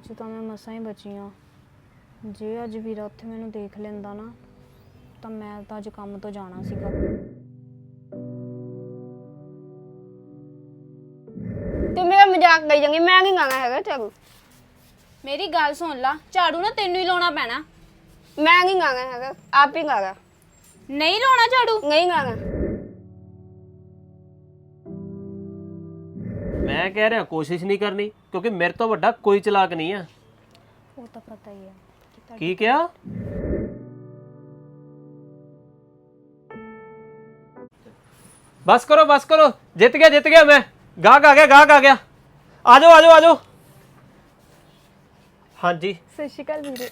'ਚ ਤਾਂ ਮੈਂ ਮਸਾਂ ਹੀ ਬਚੀ ਹਾਂ। ਜੇ ਅੱਜ ਵੀਰਾ ਉੱਥੇ ਮੈਨੂੰ ਦੇਖ ਲੈਂਦਾ ਨਾ ਤਾਂ ਮੈਂ ਤਾਂ ਅੱਜ ਕੰਮ ਤੋਂ ਜਾਣਾ ਸੀਗਾ। ਤੂੰ ਮੇਰਾ ਮਜ਼ਾਕ ਕਰੀ ਜਾਂਗੀ, ਮੈਂ ਨਹੀਂ ਗਾਣਾ ਹੈਗਾ ਝਾੜੂ। ਮੇਰੀ ਗੱਲ ਸੁਣ ਲਾ, ਝਾੜੂ ਨਾ ਤੈਨੂੰ ਹੀ ਲਾਉਣਾ ਪੈਣਾ। ਮੈਂ ਨਹੀਂ ਗਾਣਾ ਹੈਗਾ, ਆਪ ਹੀ ਗਾਣਾ। ਨਹੀਂ ਲਾਉਣਾ ਝਾੜੂ? ਨਹੀਂ ਗਾਣਾ। ਮੈਂ ਕਹਿ ਰਿਹਾ ਕੋਸ਼ਿਸ਼ ਨਹੀਂ ਕਰਨੀ, ਕਿਉਂਕਿ ਮੇਰੇ ਤੋਂ ਵੱਡਾ ਕੋਈ ਚਲਾਕ ਨਹੀਂ ਆ। ਉਹ ਤਾਂ ਪਤਾ ਹੀ ਹੈ। ਕੀ ਕਿਹਾ? ਬਸ ਕਰੋ, ਜਿੱਤ ਗਿਆ ਮੈਂ। ਗਾਹਕ ਆ ਗਿਆ। ਆ ਜਾਓ। ਹਾਂਜੀ ਸਤਿ ਸ਼੍ਰੀ ਅਕਾਲ ਵੀਰੇ।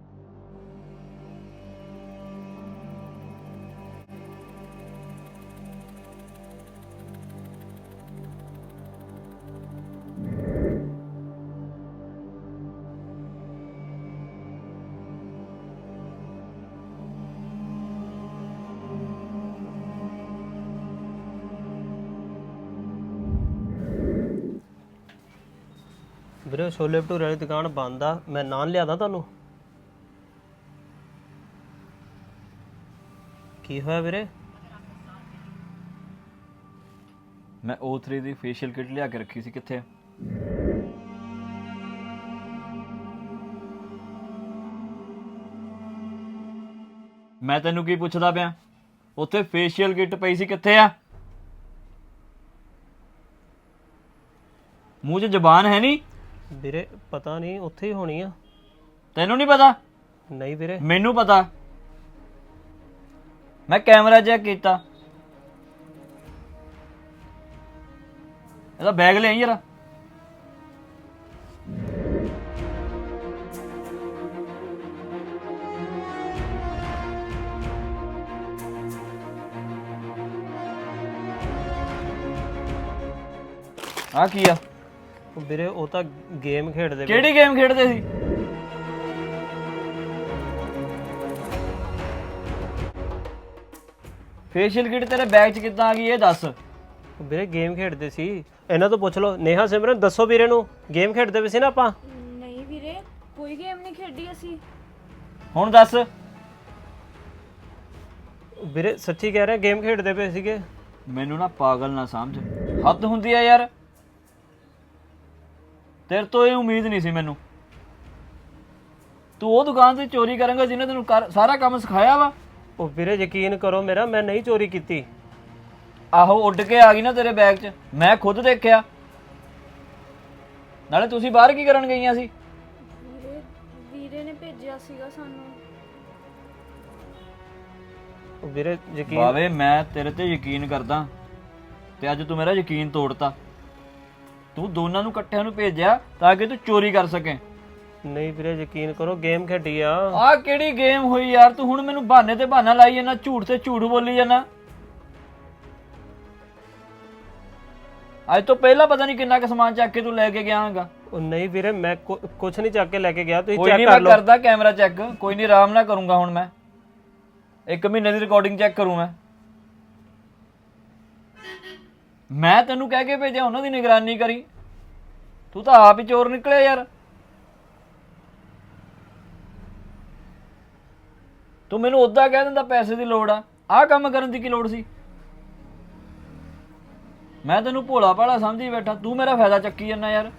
ਵੀਰੇ ਛੋਲੇ ਭਟੂਰੇ ਵਾਲੀ ਦੁਕਾਨ ਬੰਦ ਆ, ਮੈਂ ਨਾਨ ਲਿਆਦਾ ਤੁਹਾਨੂੰ। ਕੀ ਹੋਇਆ ਵੀਰੇ? ਮੈਂ O3 ਦੀ ਫੇਸ਼ੀਅਲ ਕਿਟ ਲਿਆ ਕੇ ਰੱਖੀ ਸੀ, ਕਿੱਥੇ? ਮੈਂ ਤੈਨੂੰ ਕੀ ਪੁੱਛਦਾ ਪਿਆ? ਉੱਥੇ ਫੇਸ਼ੀਅਲ ਕਿਟ ਪਈ ਸੀ, ਕਿੱਥੇ ਆ? ਮੂੰਹ 'ਚ ਜ਼ਬਾਨ ਹੈ ਨਹੀਂ? ਵੀਰੇ ਪਤਾ ਨਹੀਂ, ਉੱਥੇ ਹੀ ਹੋਣੀ ਆ। ਤੈਨੂੰ ਨਹੀਂ ਪਤਾ? ਨਹੀਂ ਵੀਰੇ। ਮੈਨੂੰ ਪਤਾ, ਮੈਂ ਕੈਮਰਾ ਚੈੱਕ ਕੀਤਾ। ਇਹਦਾ ਬੈਗ ਲੈ ਆਈ ਜਰਾ। ਆ ਕੀ ਆ? ਵੀਰੇ ਉਹ ਤਾਂ ਗੇਮ ਖੇਡਦੇ। ਕਿਹੜੀ ਗੇਮ ਖੇਡਦੇ ਸੀ? ਫੇਸ਼ੀਅਲ ਕਿਟ ਤੇਰੇ ਬੈਗ 'ਚ ਕਿੱਦਾਂ ਆ ਗਈ ਇਹ ਦੱਸ। ਵੀਰੇ ਗੇਮ ਖੇਡਦੇ ਸੀ, ਇਹਨਾਂ ਤੋਂ ਪੁੱਛ ਲਓ। ਨੇਹਾ ਸਿਮਰਨ ਦੱਸੋ ਵੀਰੇ ਨੂੰ, ਗੇਮ ਖੇਡਦੇ ਪਏ ਸੀ ਨਾ ਆਪਾਂ। ਨਹੀਂ ਵੀਰੇ, ਕੋਈ ਗੇਮ ਨਹੀਂ ਖੇਡੀ ਅਸੀਂ। ਹੁਣ ਦੱਸ। ਵੀਰੇ ਸੱਚੀ ਕਹਿ ਰਿਹਾ, ਗੇਮ ਖੇਡਦੇ ਪਏ ਸੀਗੇ। ਮੈਨੂੰ ਨਾ ਪਾਗਲ ਨਾ ਸਮਝ, ਹੱਦ ਹੁੰਦੀ ਆ ਯਾਰ। ਤੇਰੇ ਤੋਂ ਇਹ ਉਮੀਦ ਨਹੀਂ ਸੀ ਮੈਨੂੰ। ਤੂੰ ਉਹ ਦੁਕਾਨ ਤੇ ਚੋਰੀ ਕਰਾਂਗਾ ਜਿਹਨੇ ਤੈਨੂੰ ਸਾਰਾ ਕੰਮ ਸਿਖਾਇਆ ਵਾ। ਉਹ ਵੀਰੇ ਯਕੀਨ ਕਰੋ ਮੇਰਾ, ਮੈਂ ਨਹੀਂ ਚੋਰੀ ਕੀਤੀ। ਆਹੋ ਉੱਡ ਕੇ ਆ ਗਈ ਨਾ ਤੇਰੇ ਬੈਗ 'ਚ, ਮੈਂ ਖੁਦ ਦੇਖਿਆ। ਨਾਲੇ ਤੁਸੀਂ ਬਾਹਰ ਕੀ ਕਰਨ ਗਈਆਂ ਸੀ? ਵੀਰੇ ਨੇ ਭੇਜਿਆ ਸੀਗਾ ਸਾਨੂੰ। ਵੀਰੇ ਯਕੀਨ। ਬਾਵੇ ਮੈਂ ਤੇਰੇ ਤੇ ਯਕੀਨ ਕਰਦਾ ਤੇ ਅੱਜ ਤੂੰ ਮੇਰਾ ਯਕੀਨ ਤੋੜਤਾ। ਤੂੰ ਦੋਨਾਂ ਨੂੰ ਇਕੱਠਿਆਂ ਨੂੰ ਭੇਜਿਆ ਤਾਂ ਕਿ ਤੂੰ ਚੋਰੀ ਕਰ ਸਕੇ। ਨਹੀਂ ਵੀਰੇ ਯਕੀਨ ਕਰੋ, ਗੇਮ ਖੇਡੀ ਆ। ਆਹ ਕਿਹੜੀ ਗੇਮ ਹੋਈ ਯਾਰ? ਤੂੰ ਹੁਣ ਮੈਨੂੰ ਬਹਾਨੇ ਤੇ ਬਹਾਨਾ ਲਾਈ ਜਾਂਦਾ, ਝੂਠ ਤੇ ਝੂਠ ਬੋਲੀ ਜਾਂਦਾ। ਅੱਜ ਤੋਂ ਪਹਿਲਾਂ ਪਤਾ ਨਹੀਂ ਕਿੰਨਾ ਕੁ ਸਮਾਨ ਚੱਕ ਕੇ ਤੂੰ ਲੈ ਕੇ ਗਿਆ ਹੈਗਾ। ਉਹ ਨਹੀਂ ਵੀਰੇ, ਮੈਂ ਕੁਛ ਨਹੀਂ ਚੱਕ ਕੇ ਲੈ ਕੇ ਗਿਆ, ਤੁਸੀਂ ਕੋਈ ਚੈੱਕ ਨਹੀਂ, ਕਰ ਮੈਂ ਲਓ। ਕਰਦਾ ਕੈਮਰਾ ਚੈੱਕ। ਕੋਈ ਨਹੀਂ, ਆਰਾਮ ਨਾਲ ਕਰੂੰਗਾ ਹੁਣ ਮੈਂ। 1 ਮਹੀਨੇ ਦੀ ਰਿਕਾਰਡਿੰਗ ਚੈੱਕ ਕਰੂੰ ਮੈਂ ਤੈਨੂੰ ਕਹਿ ਕੇ ਭੇਜਿਆ, ਉਹਨਾਂ ਦੀ ਨਿਗਰਾਨੀ ਕਰੀ। ਤੂੰ ਤਾਂ ਆਪ ਹੀ ਚੋਰ ਨਿਕਲਿਆ ਯਾਰ। ਤੂੰ ਮੈਨੂੰ ਉਦਾਂ ਕਹਿ ਦਿੰਦਾ ਪੈਸੇ ਦੀ ਲੋੜ ਆ, ਆਹ ਕੰਮ ਕਰਨ ਦੀ ਕੀ ਲੋੜ ਸੀ? ਮੈਂ ਤੈਨੂੰ ਭੋਲਾ ਭਾਲਾ ਸਮਝੀ ਬੈਠਾ, ਤੂੰ ਮੇਰਾ ਫਾਇਦਾ ਚੱਕੀ ਜਾਂਦਾ ਯਾਰ।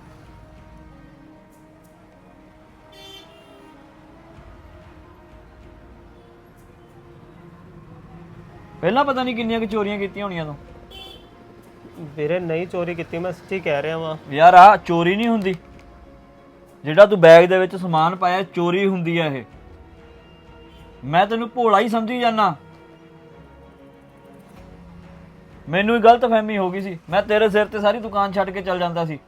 ਪਹਿਲਾਂ ਪਤਾ ਨਹੀਂ ਕਿੰਨੀਆਂ ਕੁ ਚੋਰੀਆਂ ਕੀਤੀਆਂ ਹੋਣੀਆਂ ਤੂੰ। ਵੀਰੇ ਨਹੀਂ ਚੋਰੀ ਕੀਤੀ, ਮੈਂ ਸੱਚੀ ਕਹਿ ਰਿਹਾ ਵਾਂ। ਯਾਰ ਆਹ ਚੋਰੀ ਨਹੀਂ ਹੁੰਦੀ, ਜਿਹੜਾ ਤੂੰ ਬੈਗ ਦੇ ਵਿੱਚ ਸਮਾਨ ਪਾਇਆ ਚੋਰੀ ਹੁੰਦੀ ਆ ਇਹ। ਮੈਂ ਤੈਨੂੰ ਭੋਲਾ ਹੀ ਸਮਝੀ ਜਾਂਦਾ। ਮੈਨੂੰ ਹੀ ਗਲਤਫਹਿਮੀ ਹੋ ਗਈ ਸੀ, ਮੈਂ ਤੇਰੇ ਸਿਰ ਤੇ ਸਾਰੀ ਦੁਕਾਨ ਛੱਡ ਕੇ ਚੱਲ ਜਾਂਦਾ ਸੀ।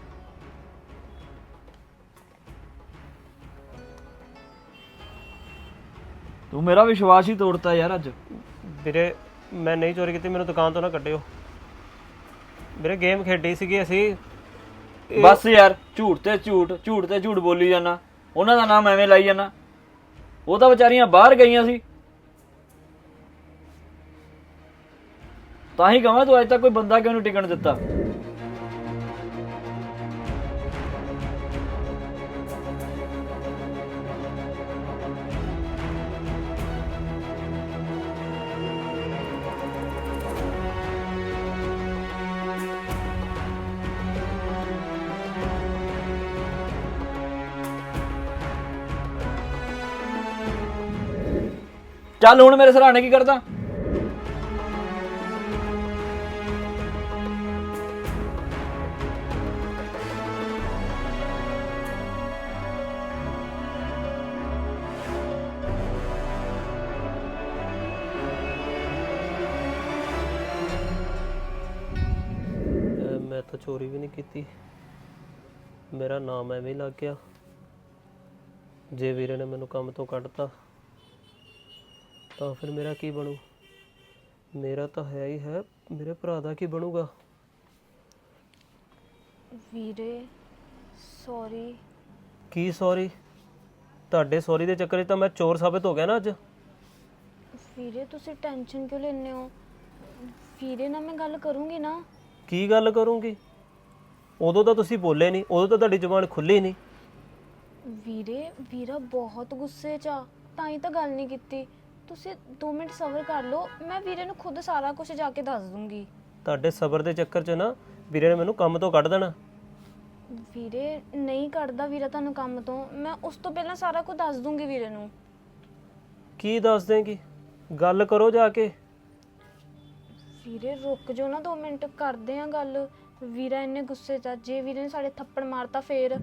ਤੂੰ ਮੇਰਾ ਵਿਸ਼ਵਾਸ ਹੀ ਤੋੜਤਾ ਯਾਰ ਅੱਜ। ਵੀਰੇ ਮੈਂ ਨਹੀਂ ਚੋਰੀ ਕੀਤੀ, ਮੈਨੂੰ ਦੁਕਾਨ ਤੋਂ ਨਾ ਕੱਢਿਓ। ਵੀਰੇ ਗੇਮ ਖੇਡੀ ਸੀਗੀ ਅਸੀਂ। ਬਸ ਯਾਰ, ਝੂਠ ਤੇ ਝੂਠ ਬੋਲੀ ਜਾਣਾ। ਉਹਨਾਂ ਦਾ ਨਾਮ ਐਵੇਂ ਲਾਈ ਜਾਣਾ। ਉਹ ਤਾਂ ਵਿਚਾਰੀਆਂ ਬਾਹਰ ਗਈਆਂ ਸੀ। ਤਾਂ ਹੀ ਕਹਾਂ ਤੂੰ ਅੱਜ ਤੱਕ ਕੋਈ ਬੰਦਾ ਕਿਉਂ ਨਹੀਂ ਟਿਕਣ ਦਿੱਤਾ। ਚੱਲ ਹੁਣ ਮੇਰੇ ਸਰਾਣੇ ਕੀ ਕਰਦਾ? ਮੈਂ ਤਾਂ ਚੋਰੀ ਵੀ ਨਹੀਂ ਕੀਤੀ, ਮੇਰਾ ਨਾਮ ਐਵੇਂ ਹੀ ਲੱਗ ਗਿਆ। ਜੇ ਵੀਰੇ ਨੇ ਮੈਨੂੰ ਕੰਮ ਤੋਂ ਕੱਢਤਾ ਤਾਂ ਫਿਰ ਮੇਰਾ ਕੀ ਬਣੂ? ਮੇਰਾ ਤਾਂ ਹੈ ਹੀ ਹੈ, ਮੇਰੇ ਭਰਾ ਦਾ ਕੀ ਬਣੂਗਾ? ਵੀਰੇ ਸੌਰੀ। ਕੀ ਸੌਰੀ? ਤੁਹਾਡੇ ਸੌਰੀ ਦੇ ਚੱਕਰ 'ਚ ਤਾਂ ਮੈਂ ਚੋਰ ਸਾਬਿਤ ਹੋ ਗਿਆ ਨਾ ਅੱਜ। ਵੀਰੇ ਤੁਸੀਂ ਟੈਨਸ਼ਨ ਕਿਉਂ ਲੈਂਦੇ ਹੋ? ਵੀਰੇ ਨਾਲ ਮੈਂ ਗੱਲ ਕਰੂੰਗੀ ਨਾ। ਕੀ ਗੱਲ ਕਰੂੰਗੀ? ਉਦੋਂ ਤਾਂ ਤੁਸੀਂ ਬੋਲੇ ਨਹੀਂ, ਉਦੋਂ ਤਾਂ ਤੁਹਾਡੀ ਜ਼ੁਬਾਨ ਖੁੱਲੀ ਨਹੀਂ। ਵੀਰਾ ਬਹੁਤ ਗੁੱਸੇ 'ਚ ਆ, ਤਾਂ ਹੀ ਤਾਂ ਗੱਲ ਨਹੀਂ ਕੀਤੀ। ਤੁਸੀਂ 2 ਮਿੰਟ ਸਬਰ ਕਰ ਲਓ, ਮੈਂ ਵੀਰੇ ਨੂੰ ਖੁਦ ਸਾਰਾ ਕੁਝ ਜਾ ਕੇ ਦੱਸ ਦੂੰਗੀ। ਤੁਹਾਡੇ ਸਬਰ ਦੇ ਚੱਕਰ 'ਚ ਨਾ ਵੀਰੇ ਨੇ ਮੈਨੂੰ ਕੰਮ ਤੋਂ ਕੱਢ ਦੇਣਾ। ਵੀਰੇ ਨਹੀਂ ਕੱਢਦਾ ਵੀਰਾ ਤੁਹਾਨੂੰ ਕੰਮ ਤੋਂ, ਮੈਂ ਉਸ ਤੋਂ ਪਹਿਲਾਂ ਸਾਰਾ ਕੁਝ ਦੱਸ ਦੂੰਗੀ ਵੀਰੇ ਨੂੰ। ਕੀ ਦੱਸ ਦੇਂਗੀ? ਗੱਲ ਕਰੋ ਜਾ ਕੇ। ਵੀਰੇ ਰੁਕ ਜਾਓ ਨਾ 2 ਮਿੰਟ, ਕਰਦੇ ਆ ਗੱਲ। ਵੀਰਾ ਇੰਨੇ ਗੁੱਸੇ 'ਚ ਆ, ਜੇ ਵੀਰੇ ਨੇ ਸਾਡੇ ਥੱਪੜ ਮਾਰਤਾ ਫੇਰ।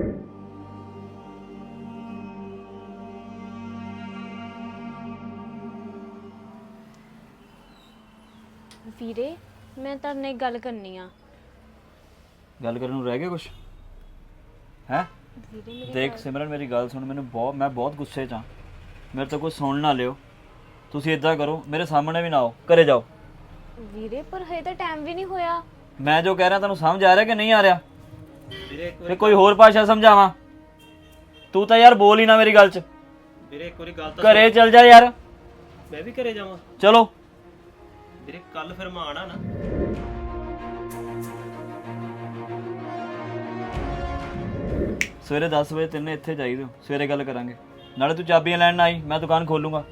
ਵੀਰੇ ਮੈਂ ਤੁਹਾਡੇ ਨਾਲ ਇੱਕ ਗੱਲ ਕਰਨੀ ਆ। ਗੱਲ ਕਰਨ ਨੂੰ ਰਹਿ ਗਿਆ ਕੁਛ ਹੈ? ਵੀਰੇ ਮੇਰੀ ਦੇਖ ਸਿਮਰਨ, ਮੇਰੀ ਗੱਲ ਸੁਣ। ਮੈਂ ਬਹੁਤ ਗੁੱਸੇ 'ਚ ਹਾਂ, ਮੇਰੇ ਤੋਂ ਕੁਝ ਸੁਣ ਨਾ ਲਿਓ। ਤੁਸੀਂ ਇਦਾਂ ਕਰੋ, ਮੇਰੇ ਸਾਹਮਣੇ ਵੀ ਨਾ ਆਓ, ਘਰੇ ਜਾਓ। ਵੀਰੇ ਪਰ ਹਜੇ ਤਾਂ ਟਾਈਮ ਵੀ ਨਹੀਂ ਹੋਇਆ। ਮੈਂ ਜੋ ਕਹਿ ਰਿਹਾ ਤੁਹਾਨੂੰ ਸਮਝ ਆ ਰਿਹਾ ਕਿ ਨਹੀਂ ਆ ਰਿਹਾ? ਤੇ ਕੋਈ ਹੋਰ ਭਾਸ਼ਾ ਸਮਝਾਵਾਂ? ਤੂੰ ਤਾਂ ਯਾਰ ਬੋਲ ਹੀ ਨਾ ਮੇਰੀ ਗੱਲ 'ਚ। ਵੀਰੇ ਇੱਕ ਵਾਰੀ ਗੱਲ ਤਾਂ ਘਰੇ ਚੱਲ ਜਾ ਯਾਰ। ਮੈਂ ਵੀ ਘਰੇ ਜਾਵਾਂ? ਚਲੋ ਵੀਰੇ ਕੱਲ ਫਿਰ ਮੈਂ ਆਣਾ ਨਾ। ਸਵੇਰੇ 10 ਵਜੇ ਤੈਨੂੰ ਇੱਥੇ ਚਾਹੀਦੇ ਹੋ, ਸਵੇਰੇ ਗੱਲ ਕਰਾਂਗੇ। ਨਾਲੇ ਤੂੰ ਚਾਬੀਆਂ ਲੈਣ ਨਾ ਆਈ, ਮੈਂ ਦੁਕਾਨ ਖੋਲੂੰਗਾ।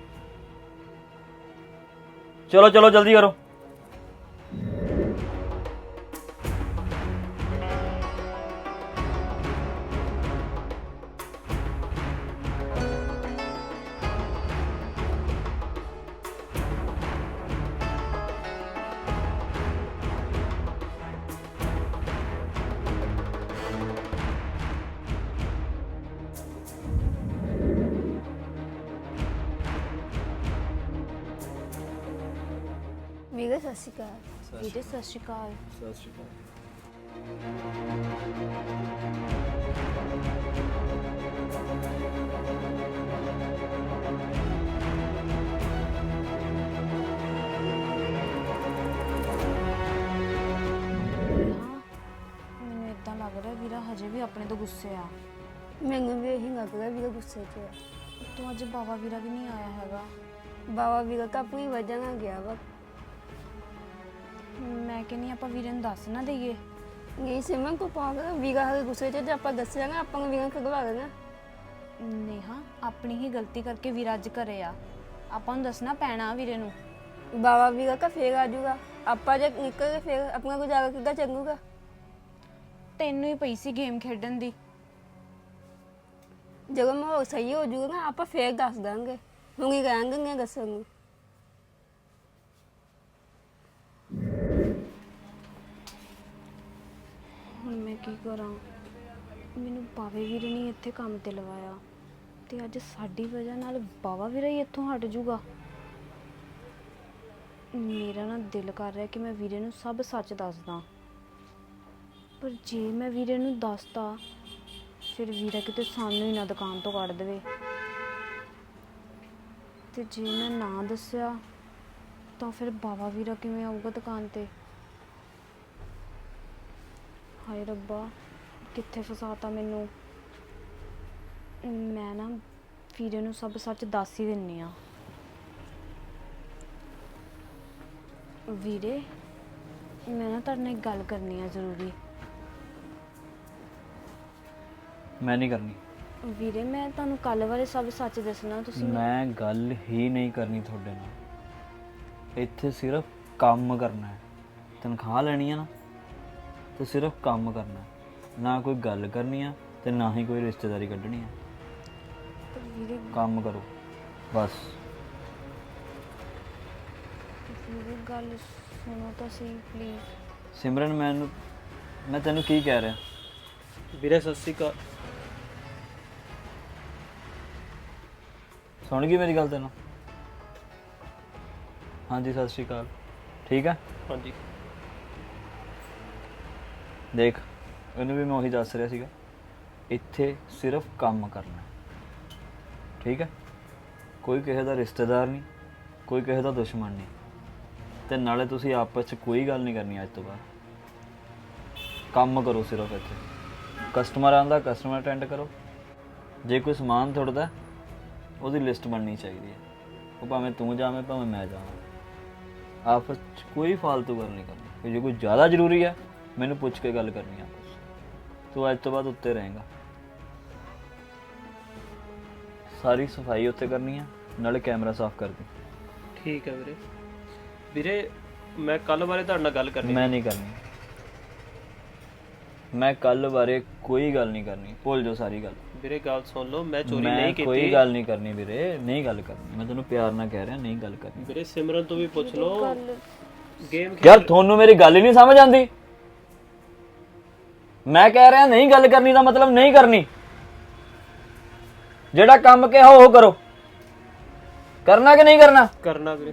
ਚਲੋ ਚਲੋ ਜਲਦੀ ਕਰੋ। ਵੀਰੇ ਸਤਿ ਸ਼੍ਰੀ ਅਕਾਲ। ਵੀਰੇ ਸਤਿ ਸ਼੍ਰੀ ਅਕਾਲ। ਸਤਿ ਸ਼੍ਰੀ ਅਕਾਲ। ਮੈਨੂੰ ਇਦਾਂ ਲੱਗ ਰਿਹਾ ਵੀਰਾ ਹਜੇ ਵੀ ਆਪਣੇ ਤੋਂ ਗੁੱਸੇ ਆ। ਮੈਨੂੰ ਵੀ ਇਹੀ ਲੱਗ ਰਿਹਾ ਵੀਰੇ ਗੁੱਸੇ 'ਚ ਆ। ਤੂੰ ਅੱਜ ਬਾਬਾ ਵੀਰਾ ਵੀ ਨਹੀਂ ਆਇਆ ਹੈਗਾ। ਬਾਬਾ ਵੀਰਾ ਤਾਂ ਆਪਣੀ ਵਜ੍ਹਾ ਨਾਲ ਗਿਆ ਵਾ। ਮੈਂ ਕਹਿੰਦੀ ਆਪਾਂ ਵੀਰੇ ਨੂੰ ਦੱਸ ਨਾ ਦਈਏ। ਨਹੀਂ ਸਿਮਰਨ ਕੋ ਪਾਗਲ, ਵੀਰਾ ਹਰੇ ਗੁੱਸੇ 'ਚ ਜੇ ਆਪਾਂ ਦੱਸਿਆ ਨਾ ਆਪਾਂ ਨੂੰ ਵੀਰਾ ਖਗਵਾ ਦੇਣਾ। ਨੇਹਾ ਆਪਣੀ ਹੀ ਗਲਤੀ ਕਰਕੇ ਵੀਰਾ ਅੱਜ ਘਰੇ ਆ, ਆਪਾਂ ਨੂੰ ਦੱਸਣਾ ਪੈਣਾ ਵੀਰੇ ਨੂੰ। ਬਾਬਾ ਵੀਰਾ ਕਾ ਫੇਰ ਆ ਜਾਊਗਾ, ਆਪਾਂ ਜੇ ਨਿਕਲ ਕੇ ਫੇਰ ਆਪਣਾ ਗੁਜ਼ਾਰਾ ਕਿੱਦਾਂ ਚੱਲੂਗਾ? ਤੈਨੂੰ ਹੀ ਪਈ ਸੀ ਗੇਮ ਖੇਡਣ ਦੀ। ਜਦੋਂ ਮਾਹੌਲ ਸਹੀ ਹੋ ਜਾਊਗਾ ਨਾ ਆਪਾਂ ਫੇਰ ਦੱਸ ਦਾਂਗੇ, ਹੁਣ ਹੀ ਕਹਾਂਗੇ ਦੱਸਣ ਨੂੰ। ਹੁਣ ਮੈਂ ਕੀ ਕਰਾਂ? ਮੈਨੂੰ ਬਾਵੇ ਵੀਰੇ ਨੇ ਇੱਥੇ ਕੰਮ ਤੇ ਲਵਾਇਆ ਤੇ ਅੱਜ ਸਾਡੀ ਵਜ੍ਹਾ ਨਾਲ ਬਾਵਾ ਵੀਰਾ ਹੀ ਇੱਥੋਂ ਹਟ ਜਾਊਗਾ। ਮੇਰਾ ਨਾ ਦਿਲ ਕਰ ਰਿਹਾ ਕਿ ਮੈਂ ਵੀਰੇ ਨੂੰ ਸਭ ਸੱਚ ਦੱਸਦਾ, ਪਰ ਜੇ ਮੈਂ ਵੀਰੇ ਨੂੰ ਦੱਸਤਾ ਫਿਰ ਵੀਰਾ ਕਿਤੇ ਸਾਨੂੰ ਹੀ ਨਾ ਦੁਕਾਨ ਤੋਂ ਕੱਢ ਦੇਵੇ, ਤੇ ਜੇ ਮੈਂ ਨਾ ਦੱਸਿਆ ਤਾਂ ਫਿਰ ਬਾਵਾ ਵੀਰਾ ਕਿਵੇਂ ਆਊਗਾ ਦੁਕਾਨ ਤੇ? ਹਾਏ ਰੱਬਾ, ਕਿੱਥੇ ਫਸਾਤਾ ਮੈਨੂੰ। ਮੈਂ ਨਾ ਵੀਰੇ ਨੂੰ ਸਭ ਸੱਚ ਦੱਸ ਹੀ ਦਿੰਨੀ ਆ। ਵੀਰੇ ਮੈਂ ਨਾ ਤੁਹਾਡੇ ਨਾਲ ਇੱਕ ਗੱਲ ਕਰਨੀ ਆ ਜ਼ਰੂਰੀ। ਮੈਂ ਨਹੀਂ ਕਰਨੀ। ਵੀਰੇ ਮੈਂ ਤੁਹਾਨੂੰ ਕੱਲ ਬਾਰੇ ਸਭ ਸੱਚ ਦੱਸਣਾ, ਤੁਸੀਂ ਮੈਂ ਗੱਲ ਹੀ ਨਹੀਂ ਕਰਨੀ ਤੁਹਾਡੇ ਨਾਲ। ਇੱਥੇ ਸਿਰਫ ਕੰਮ ਕਰਨਾ ਹੈ, ਤਨਖਾਹ ਲੈਣੀ ਹੈ ਨਾ, ਤੇ ਸਿਰਫ ਕੰਮ ਕਰਨਾ, ਨਾ ਕੋਈ ਗੱਲ ਕਰਨੀ ਆ ਤੇ ਨਾ ਹੀ ਕੋਈ ਰਿਸ਼ਤੇਦਾਰੀ ਕੱਢਣੀ ਆ। ਪਰ ਵੀਰੇ ਕੰਮ ਕਰੋ ਬਸ। ਵੀਰੇ ਗੱਲ ਸੁਣੋ ਤਾਂ ਸਹੀ ਪਲੀਜ਼। ਸਿਮਰਨ ਮੈਂ ਤੈਨੂੰ ਕੀ ਕਹਿ ਰਿਹਾ? ਵੀਰੇ ਸਤਿ ਸ਼੍ਰੀ ਅਕਾਲ। ਸੁਣ ਗਈ ਮੇਰੀ ਗੱਲ ਤੈਨੂੰ? ਹਾਂਜੀ ਸਤਿ ਸ਼੍ਰੀ ਅਕਾਲ। ਠੀਕ ਆ? ਹਾਂਜੀ ਦੇਖ, ਉਹਨੂੰ ਵੀ ਮੈਂ ਉਹੀ ਦੱਸ ਰਿਹਾ ਸੀਗਾ, ਇੱਥੇ ਸਿਰਫ ਕੰਮ ਕਰਨਾ ਹੈ, ਠੀਕ ਹੈ? ਕੋਈ ਕਿਸੇ ਦਾ ਰਿਸ਼ਤੇਦਾਰ ਨਹੀਂ, ਕੋਈ ਕਿਸੇ ਦਾ ਦੁਸ਼ਮਣ ਨਹੀਂ, ਤੇ ਨਾਲੇ ਤੁਸੀਂ ਆਪਸ 'ਚ ਕੋਈ ਗੱਲ ਨਹੀਂ ਕਰਨੀ ਅੱਜ ਤੋਂ ਬਾਅਦ। ਕੰਮ ਕਰੋ ਸਿਰਫ ਇੱਥੇ। ਕਸਟਮਰ ਆਉਂਦਾ, ਕਸਟਮਰ ਅਟੈਂਡ ਕਰੋ। ਜੇ ਕੋਈ ਸਮਾਨ ਥੁੜਦਾ ਉਹਦੀ ਲਿਸਟ ਬਣਨੀ ਚਾਹੀਦੀ ਹੈ, ਉਹ ਭਾਵੇਂ ਤੂੰ ਜਾਵੇਂ ਭਾਵੇਂ ਮੈਂ ਜਾਵਾਂ। ਆਪਸ 'ਚ ਕੋਈ ਫालतू ਗੱਲ ਨਹੀਂ ਕਰਨੀ। ਤੇ ਜੇ ਕੋਈ ਜ਼ਿਆਦਾ ਜ਼ਰੂਰੀ ਹੈ ਮੈਨੂੰ ਪੁੱਛ ਕੇ ਗੱਲ ਕਰਨੀ ਆ ਆਪਸ 'ਚ। ਤੂੰ ਅੱਜ ਤੋਂ ਬਾਅਦ ਉੱਤੇ ਰਹੇਗਾ। ਸਾਰੀ ਸਫਾਈ ਉੱਤੇ ਕਰਨੀ ਆ, ਨਾਲੇ ਕੈਮਰਾ ਸਾਫ਼ ਕਰ ਦੇ। ਠੀਕ ਹੈ ਵੀਰੇ। ਵੀਰੇ ਮੈਂ ਕੱਲ ਬਾਰੇ ਤੁਹਾਡੇ ਨਾਲ ਗੱਲ ਕਰਨੀ ਮੈਂ ਨਹੀਂ ਕਰਨੀ। ਮੈਂ ਕੱਲ ਬਾਰੇ ਕੋਈ ਗੱਲ ਨਹੀਂ ਕਰਨੀ, ਭੁੱਲ ਜਾਓ ਸਾਰੀ ਗੱਲ। ਵੀਰੇ ਗੱਲ ਸੁਣ ਲਓ, ਮੈਂ ਚੋਰੀ ਮੈਂ ਨਹੀਂ ਕੀਤੀ। ਕੋਈ ਗੱਲ ਨਹੀਂ ਕਰਨੀ ਵੀਰੇ, ਨਹੀਂ ਗੱਲ ਕਰਨੀ। ਮੈਂ ਤੈਨੂੰ ਪਿਆਰ ਨਾਲ ਕਹਿ ਰਿਹਾ, ਨਹੀਂ ਗੱਲ ਕਰਨੀ। ਵੀਰੇ ਸਿਮਰਨ ਤੋਂ ਵੀ ਪੁੱਛ ਲਓ। ਗੱਲ ਗੇਮ ਯਾਰ ਤੁਹਾਨੂੰ ਮੇਰੀ ਗੱਲ ਹੀ ਨਹੀਂ ਸਮਝ ਆਉਂਦੀ। ਮੈਂ ਕਹਿ ਰਿਹਾ ਨਹੀਂ ਗੱਲ ਕਰਨੀ ਦਾ ਮਤਲਬ ਨਹੀਂ ਕਰਨੀ। ਜਿਹੜਾ ਕੰਮ ਕਿਹਾ ਉਹ ਕਰੋ। ਕਰਨਾ ਕਿ ਨਹੀਂ ਕਰਨਾ? ਕਰਨਾ ਵੀਰੇ।